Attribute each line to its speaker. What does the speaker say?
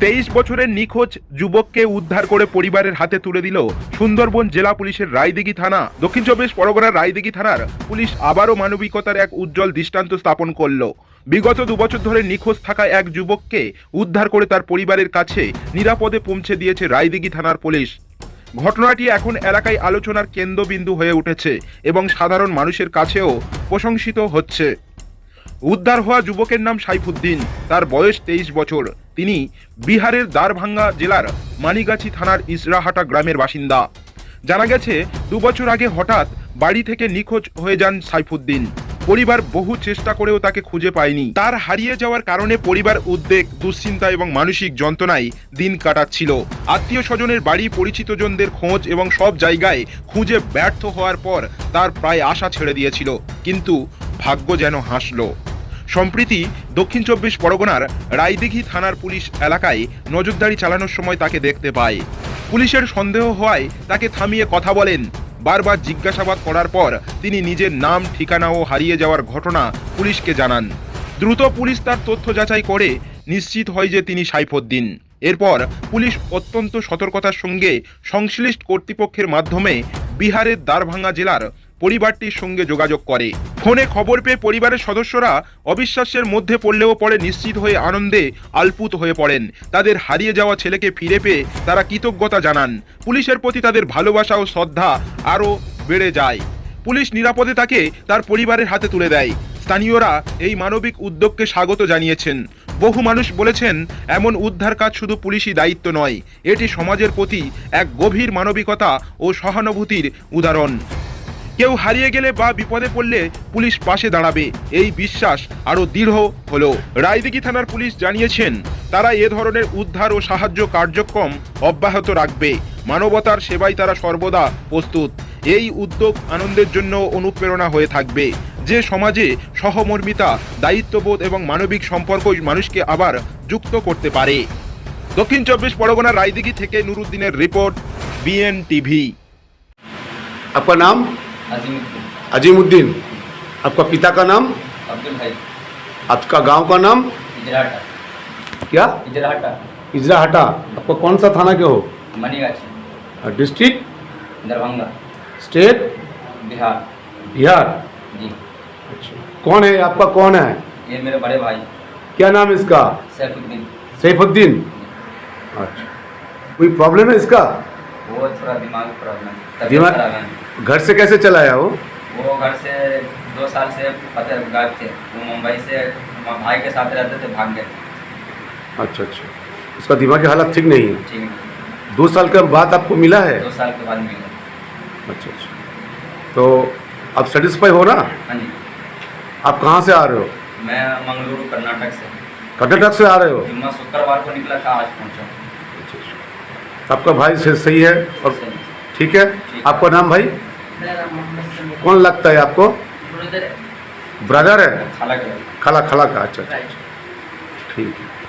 Speaker 1: 23 বছরের নিখোঁজ যুবককে উদ্ধার করে পরিবারের হাতে তুলে দিল সুন্দরবন জেলা পুলিশের রায়দিঘি থানা। দক্ষিণ চব্বিশ পরগনার রায়দিঘি থানার পুলিশ আবারও মানবিকতার এক উজ্জ্বল দৃষ্টান্ত স্থাপন করলো। বিগত 2 বছর ধরে নিখোঁজ থাকা এক যুবককে উদ্ধার করে তার পরিবারের কাছে নিরাপদে পৌঁছে দিয়েছে রায়দিঘি থানার পুলিশ। ঘটনাটি এখন এলাকায় আলোচনার কেন্দ্রবিন্দু হয়ে উঠেছে এবং সাধারণ মানুষের কাছেও প্রশংসিত হচ্ছে। উদ্ধার হওয়া যুবকের নাম সাইফুদ্দিন। তার বয়স 23 বছর। তিনি বিহারের দারভাঙ্গা জেলার মানিগাছি থানার ইসরাহাটা গ্রামের বাসিন্দা। জানা গেছে 2 বছর আগে হঠাৎ বাড়ি থেকে নিখোঁজ হয়ে যান সাইফুদ্দিন। পরিবার বহু চেষ্টা করেও তাকে খুঁজে পায়নি। তার হারিয়ে যাওয়ার কারণে পরিবার উদ্বেগ, দুশ্চিন্তা এবং মানসিক যন্ত্রণায় দিন কাটাচ্ছিল। আত্মীয় স্বজনের বাড়ি, পরিচিতজনদের খোঁজ এবং সব জায়গায় খুঁজে ব্যর্থ হওয়ার পর তার প্রায় আশা ছেড়ে দিয়েছিল, কিন্তু ভাগ্য যেন হাসলো। সম্প্রতি দক্ষিণ চব্বিশ পরগনার রায়দিঘি থানার পুলিশ এলাকায় নজরদারি চালানোর সময় তাকে দেখতে পায়। পুলিশের সন্দেহ হওয়ায় তাকে থামিয়ে কথা বলেন। বারবার জিজ্ঞাসাবাদ করার পর তিনি নিজের নাম, ঠিকানা ও হারিয়ে যাওয়ার ঘটনা পুলিশকে জানান। দ্রুত পুলিশ তার তথ্য যাচাই করে নিশ্চিত হয় যে তিনি সাইফুদ্দিন। এরপর পুলিশ অত্যন্ত সতর্কতার সঙ্গে সংশ্লিষ্ট কর্তৃপক্ষের মাধ্যমে বিহারের দারভাঙ্গা জেলার পরিবারটির সঙ্গে যোগাযোগ করে। ফোনে খবর পেয়ে পরিবারের সদস্যরা অবিশ্বাসের মধ্যে পড়লেও পরে নিশ্চিত হয়ে আনন্দে আলপুত হয়ে পড়েন। তাদের হারিয়ে যাওয়া ছেলেকে ফিরে পেয়ে তারা কৃতজ্ঞতা জানান। পুলিশের প্রতি তাদের ভালোবাসা ও শ্রদ্ধা আরও বেড়ে যায়। পুলিশ নিরাপদে তাকে তার পরিবারের হাতে তুলে দেয়। স্থানীয়রা এই মানবিক উদ্যোগকে স্বাগত জানিয়েছেন। বহু মানুষ বলেছেন, এমন উদ্ধার কাজ শুধু পুলিশি দায়িত্ব নয়, এটি সমাজের প্রতি এক গভীর মানবিকতা ও সহানুভূতির উদাহরণ। কেউ হারিয়ে গেলে বা বিপদে পড়লে পুলিশ পাশে দাঁড়াবে, এই বিশ্বাস আরও দৃঢ় হলো। রায়দিঘি থানার পুলিশ জানিয়েছেন, তারা এ ধরনের উদ্ধার ও সাহায্য কার্যক্রম অব্যাহত রাখবে। মানবতার সেবায় তারা সর্বদা প্রস্তুত। এই উদ্যোগ আনন্দের জন্য অনুপ্রেরণা হয়ে থাকবে, যে সমাজে সহমর্মিতা, দায়িত্ববোধ এবং মানবিক সম্পর্ক মানুষকে আবার যুক্ত করতে পারে। দক্ষিণ চব্বিশ পরগনার রায়দিঘি থেকে নুরুদ্দিনের রিপোর্ট, BN টিভি।
Speaker 2: आपका नाम?
Speaker 3: अजीमुद्दीन।
Speaker 2: अजीमुद्दीन। आपका पिता का नाम?
Speaker 3: अब्दुल भाई।
Speaker 2: आपका गांव का नाम?
Speaker 3: इजराहटा।
Speaker 2: क्या?
Speaker 3: इजराहटा।
Speaker 2: इजराहटा। आपका कौन सा थाना के हो?
Speaker 3: मनीगाछी।
Speaker 2: डिस्ट्रिक्ट?
Speaker 3: दरभंगा।
Speaker 2: स्टेट?
Speaker 3: बिहार।
Speaker 2: बिहार।
Speaker 3: जी।
Speaker 2: अच्छा, कौन है आपका? कौन है?
Speaker 3: ये मेरे बड़े भाई
Speaker 2: क्या नाम है इसका?
Speaker 3: सैफुद्दीन।
Speaker 2: सैफुद्दीन। अच्छा, कोई प्रॉब्लम है इसका?
Speaker 3: वो थोड़ा दिमाग प्रॉब्लम, तबीयत
Speaker 2: दिमाग-
Speaker 3: खराब है।
Speaker 2: घर से कैसे चला आया
Speaker 3: वो घर से 2 साल से पता गायब थे। वो मुंबई से भाई के साथ रहते थे, भाग गए।
Speaker 2: अच्छा अच्छा, उसका दिमागी हालत ठीक नहीं है।
Speaker 3: ठीक है।
Speaker 2: 2 साल के बाद आपको मिला है?
Speaker 3: 2 साल के बाद मिले।
Speaker 2: अच्छा अच्छा, तो आप सेटिस्फाई हो ना?
Speaker 3: हाँ जी।
Speaker 2: आप कहाँ से आ रहे हो?
Speaker 3: मैं मंगलुरु कर्नाटक से
Speaker 2: कर्नाटक से आ रहे हो?
Speaker 3: जुम्मा शुक्रवार को निकला था, आज पहुँचा।
Speaker 2: अच्छा अच्छा, आपका भाई सही है और
Speaker 3: सही।
Speaker 2: ठीक है।
Speaker 3: ठीक।
Speaker 2: आपका नाम भाई?
Speaker 3: मेरा नाम मोहम्मद समीर।
Speaker 2: कौन लगता है आपको?
Speaker 3: ब्रदर है।
Speaker 2: ब्रदर है?
Speaker 3: खाला के।
Speaker 2: खाला खाला का। अच्छा अच्छा, ठीक है।